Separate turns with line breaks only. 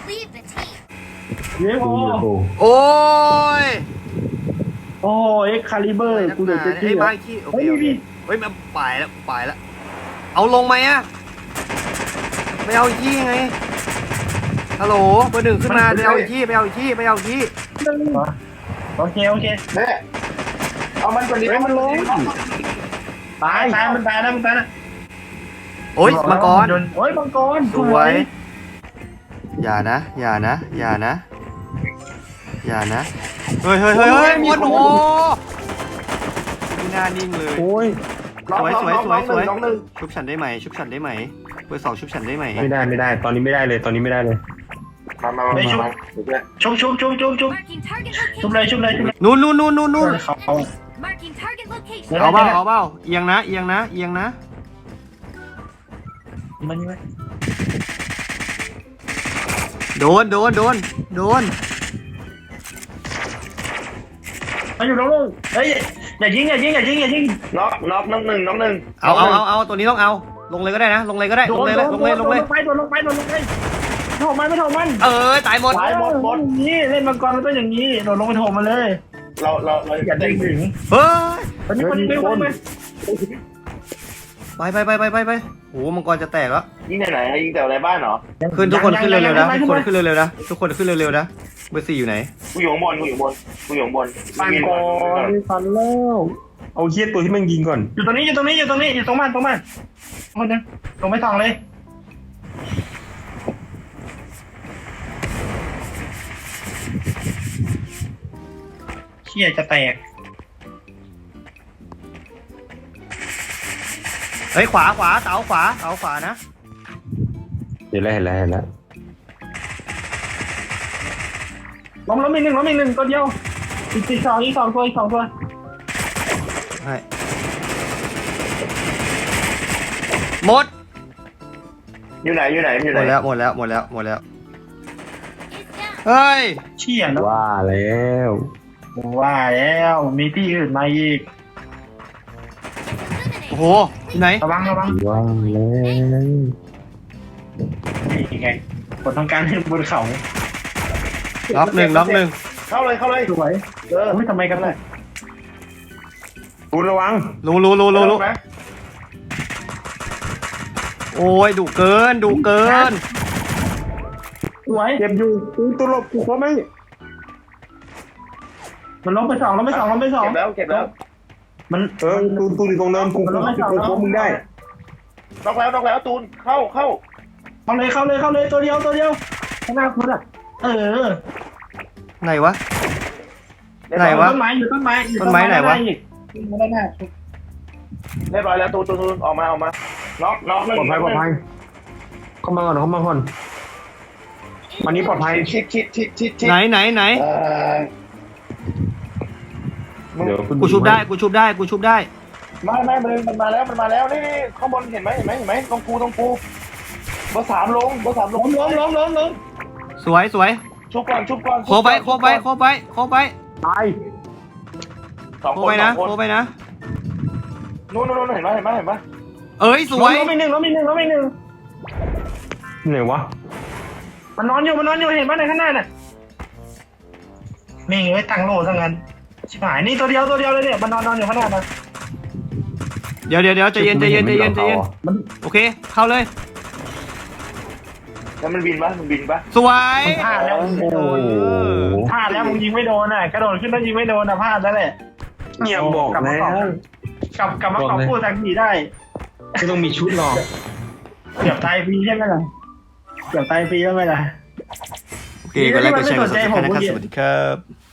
Leave the team.
เย้โอ้
โอ้ย
โอ้เอ็กคาลิเบอร์กูเดือด
ไอ้บ้าขี้โอเคโอเคเฮ้ยมันไปแล้วเอาลงไหมอะไม่เอาขี้ไงฮัลโหลเบอร์หนึ่งขึ้นมาไปเอาอีกที่
โอเค
แม่เอามันก่อนดิมันลง
ตายมันตายนะ
โอ้ยมังกร
โอ้ยมังกร
สวยอย่านะเฮ้ยหมดโอ้ไม่น่านิ่งเลย
โอ้ย
น้องหนึ่ง
ชุบฉันได้ไหมเบอร์สองชุบฉันได้ไหม
ไม่ได้ตอนนี้ไม่ได้เลย
มาชุบ
ชุบ
Marking target
ชุบ
location.
เลย
นู่น
เขา
Marking target location.
เอาเปล่าเอียงนะ
มันนี่ไหม
โดน
มาอยู่แล้วลูกเฮ้ยอย่ายิง
น็อกน้องหนึ่ง
เอาตัวนี้ต้องเอาลงเลยก็ได้นะลงเลย
โดนไปโดนไม่ถมมัน
ตายหมด
นี่เล่นมังกรมันต้องอย่างนี้โดนลงไปถมมาเลย
เรา
อย่าเด้งถึง
เฮ้ย
ตอนนี้มันไม่วน
ไปโอ้มังกรจะแตกแล้ว
ยิงไหนยิงแต่อะไรบ้านเหรอ
ขึ้นทุกคนขึ้นเร็วๆนะทุกคนขึ้นเร็วๆนะเบอร์สี่อยู่ไหน
กูอยู่ข้างบน
มังกรฟันแล้วเอาเคียตัวที่มันยิงก่อนอยู่ตรงมันคนนึงตรงไม่ทองเลยเคียจะแตก
เฮ้ยขวาเสาขวานะ
เห็นแล้วล้มอีกหนึ่งตัวเดียวอีกสองตัว
ใช่หมด
อยู่ไหน
หมดแล้ว
Is down.
เฮ้ย
เชี่ยนะว่าแล้วมีที่อื่นมาอีก
โอ้โหที่ไหน
ระวังว่าแล้วนี่ไงคนต้องการให้บนเขา
ล็อกหนึ่ง
เข้าเลย
สวยไม่ทำไมกันเลยคุณระวัง
รู้โอ้ยดุเกิน
สวยเจ็บอยู่ตัวหลบกูเขาไม่มันล้มไปสอง
เก็บแล้ว
มันตูนอยู่ตรงเนินกูมึงได้
น็อกแล้วตูนเข้า
เลยตัวเดียวข้างหน้าคุณอ่ะ
ไหนวะ
ต้นไม้อยู่ต้นไม้ไหนวะไม่ได้
เรียบร้อยแล้วตูนออกมาน็อก
ปลอดภัยเข้ามาก่อนวันนี้ปลอดภัย
ชิด
ไหน
เดี๋ยว
กูชุบได้
ไม่มันมาแล้วนี่ข้างบนเห็นไหมตรงกูเบอร์สามลง
ล้ม
สวย
ชุบก่อน
โคไป
ตาย
สอง
โค
คน
ไปนะ
นู่นเห็นไหม
เอ้ยสวย
ล้มอีกหนึ่งไหนวะมันนอนอยู่เห็นไหมในข้างหน้าน่ะนี่ไงตั้งโล่ซะงั้นชิบหายนี่ตัวเดียวเลยเนี่ยมันนอนอยู่ข้างหน้านะ
เดี๋ยวใจเย็นโอเคเข้าเลย
แล้วมันบินปะ
สวย
พลาดแล้วมึงยิงไม่โดนอ่ะกระโดดขึ้นแล้วยิงไม่โดนอ่ะพลาดแล้วแหละเงียบบอกแล้วกลับมาขอพูดทางผีได้ไม่ต้องมีชุดหรอกเกือบตายฟรีใช่ไหมล่ะ
โอเคก็แล้วก็แชร์กันนะครับสวัสดีครับ